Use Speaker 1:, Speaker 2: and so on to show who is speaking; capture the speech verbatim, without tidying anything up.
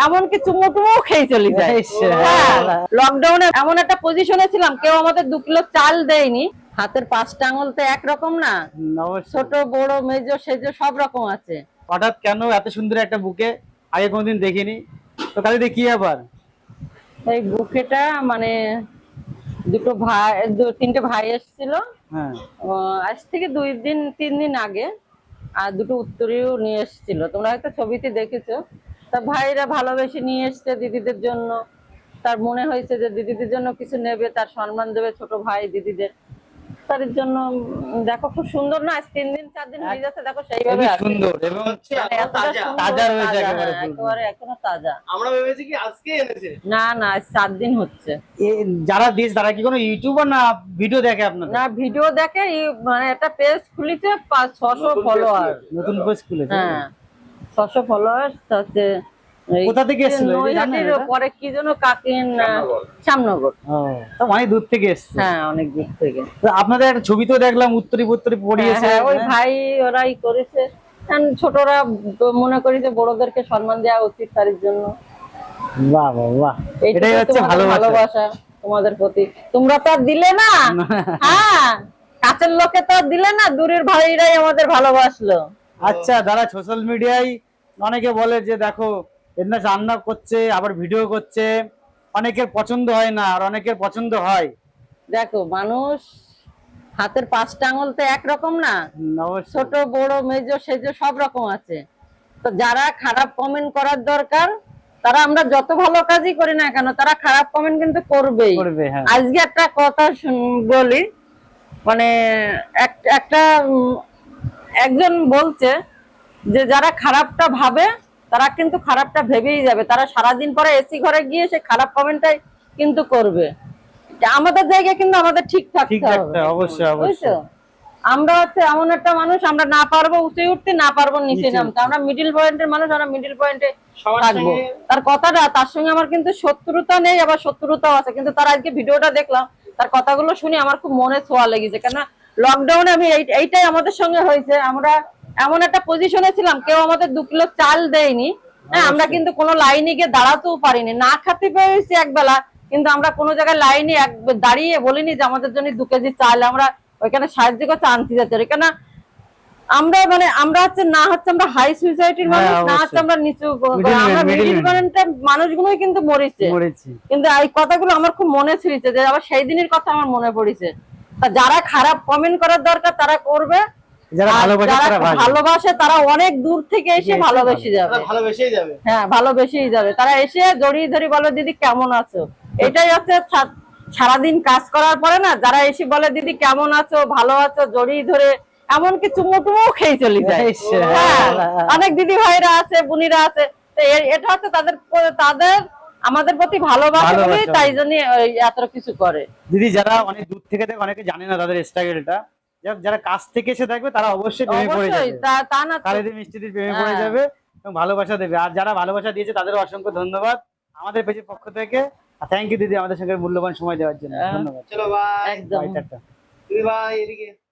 Speaker 1: এমনকি চুমু টুমু খেয়ে চলে যায়। লকডাউনে এমন একটা পজিশনে ছিলাম, কেউ আমাদের দু কিলো চাল দেয়নি। হাতের পাঁচটা আঙুল তো একরকম না, ছোট বড় মেজ সেজ সব রকম আছে।
Speaker 2: হঠাৎ কেন এত সুন্দর একটা বুকে? আগে কোনদিন দেখিনি তো। কালিদি কি ব্যাপার?
Speaker 1: এই বুকেটা মানে দুটো ভাই, তিনটে ভাই এসেছিল আজ থেকে দুই দিন তিন দিন আগে, আর দুটো উত্তরীয় নিয়ে এসেছিল, তোমরা হয়তো ছবিতে দেখেছো। তা ভাইরা ভালোবেসে নিয়ে এসছে দিদিদের জন্য। তার মনে হয়েছে যে দিদিদের জন্য কিছু নেবে, তার সম্মান দেবে ছোট ভাই দিদিদের, তার জন্য। দেখো খুব সুন্দর না, আজ তিন দিন চার দিন হয়ে যাচ্ছে, দেখো সেইভাবে
Speaker 2: সুন্দর এবং তাজা রয়েছে
Speaker 1: একেবারে এখনো তাজা।
Speaker 3: আমরা ভেবেছি কি আজকে এনেছে,
Speaker 1: না না আজ চার দিন হচ্ছে।
Speaker 2: যারা দিয়েছে তারা কি কোনো ইউটিউবার না ভিডিও দেখে আপনাদের?
Speaker 1: না ভিডিও দেখে, মানে একটা পেজ খুলেছে, পাঁচ ছশো ফলোয়ার,
Speaker 2: নতুন পেজ খুলেছে।
Speaker 1: হ্যাঁ ছশো ফলোয়ার হচ্ছে।
Speaker 2: কোথা থেকে এসেছিল
Speaker 1: নৈহাটির পরে কি যেন কাকিন, শ্যামনগর।
Speaker 2: ও অনেক দূর থেকে এসেছে।
Speaker 1: হ্যাঁ অনেক দূর থেকে।
Speaker 2: আপনাদের একটা ছবি তো দেখলাম, উত্তরি উত্তরি পড়িয়েছে।
Speaker 1: ওই ভাই ওরাই করেছে। ছোটরা মনে করি যে বড়দেরকে সম্মান দেওয়া উচিত, তার জন্য।
Speaker 2: বাহ বাহ বাহ, এটাই হচ্ছে
Speaker 1: ভালোবাসা তোমাদের প্রতি। তোমরা তো আর দিলে না, হ্যাঁ কাছের লোকে তো আর দিলে না, দূরের ভাইরাই আমাদের ভালোবাসলো।
Speaker 2: আচ্ছা, যারা সোশ্যাল মিডিয়ায় অনেকে বলে যে দেখো এমনি রান্না করছে আবার ভিডিও করছে, অনেকের পছন্দ হয় না আর অনেকের পছন্দ হয়।
Speaker 1: দেখো মানুষ হাতের পাঁচটা আঙুল তো একরকম না, ছোট বড় মেজ সেজ সব রকম আছে। তো যারা খারাপ কমেন্ট করার দরকার, তারা আমরা যত ভালো কাজই করি না কেন, তারা খারাপ কমেন্ট কিন্তু করবেই। আজকে একটা কথা বলি, মানে একটা একজন বলছে যে যারা খারাপটা ভাবে তারা কিন্তু খারাপটা ভেবেই যাবে, তারা সারাদিন পরে এসি ঘরে গিয়ে সে খারাপ কমেন্টটাই কিন্তু করবে। আমাদের জায়গায় কিন্তু আমাদের ঠিক থাকতে হবে।
Speaker 2: অবশ্যই অবশ্যই।
Speaker 1: আমরা হচ্ছে এমন একটা মানুষ, আমরা না পারবো উঠে উঠতে, না পারবো নিচে নামতে, আমরা মিডিল পয়েন্টের মানুষ, আমরা মিডিল পয়েন্টে থাকবো। তার কথাটা, তার সঙ্গে আমার কিন্তু শত্রুতা নেই, আবার শত্রুতাও আছে, কিন্তু তার আজকে ভিডিওটা দেখলাম, তার কথাগুলো শুনে আমার খুব মনে ছোঁয়া লেগেছে। কেন লকডাউনে আমি এইটাই আমাদের সঙ্গে হয়েছে, আমরা এমন একটা পজিশনে ছিলাম, কেউ আমাদের দু কিলো চাল দেয়নি। হ্যাঁ আমরা কিন্তু কোনো লাইনে গিয়ে দাঁড়াতেও পারিনি, না খাতে পেরেছি একবেলা, কিন্তু আমরা কোনো জায়গায় লাইনে দাঁড়িয়ে বলিনি যে আমাদের জন্য দু কেজি চাল আমরা ওইখানে সাহায্য করতে আনতে যাচ্ছি। এখানে আমরা মানে আমরা হচ্ছে না হচ্ছে আমরা হাই সোসাইটির মানুষ, না হচ্ছে আমরা নিচু, আমরা মিডিল পয়েন্টের মানুষগুলোই কিন্তু মরেছে। কিন্তু এই কথাগুলো আমার খুব মনে ছিঁড়েছে, যে আবার সেই দিনের কথা আমার মনে পড়েছে। তা যারা খারাপ কমেন্ট করার দরকার তারা করবে, যারা ভালোবাসে তারা অনেক দূর থেকে এসে ভালোবেসে যাবে,
Speaker 3: ভালোবেসেই যাবে।
Speaker 1: হ্যাঁ ভালোবেসেই যাবে, তারা এসে জড়িয়ে ধরে বলে দিদি কেমন আছো। এটাই হচ্ছে সারাদিন কাজ করার পরে না, যারা এসে বলে দিদি কেমন আছো, ভালো আছো, জড়িয়ে ধরে এমনকি চুমু টুমু খেয়ে চলে যায়। অনেক দিদি ভাইরা আছে, বোনিরা আছে, এটা হচ্ছে তাদের তাদের আমাদের প্রতি ভালোবাসা বলে, তাই জন্য এত কিছু করে।
Speaker 2: দিদি যারা অনেক দূর থেকে দেখে, অনেকে জানে না তাদের স্ট্রাগলটা, যারা কাছ থেকে এসে দেখবে তারা অবশ্যই প্রেমে পড়ে যাবে,
Speaker 1: তা না
Speaker 2: কালিদি মিষ্টিদির প্রেমে পড়ে যাবে এবং ভালোবাসা দেবে। আর যারা ভালোবাসা দিয়েছে তাদের অসংখ্য ধন্যবাদ আমাদের পেজের পক্ষ থেকে। থ্যাংক ইউ দিদি আমাদের সঙ্গে মূল্যবান সময় দেওয়ার জন্য। ধন্যবাদ।
Speaker 3: চলো বাই।
Speaker 1: একদম।
Speaker 3: বাই, এদিকে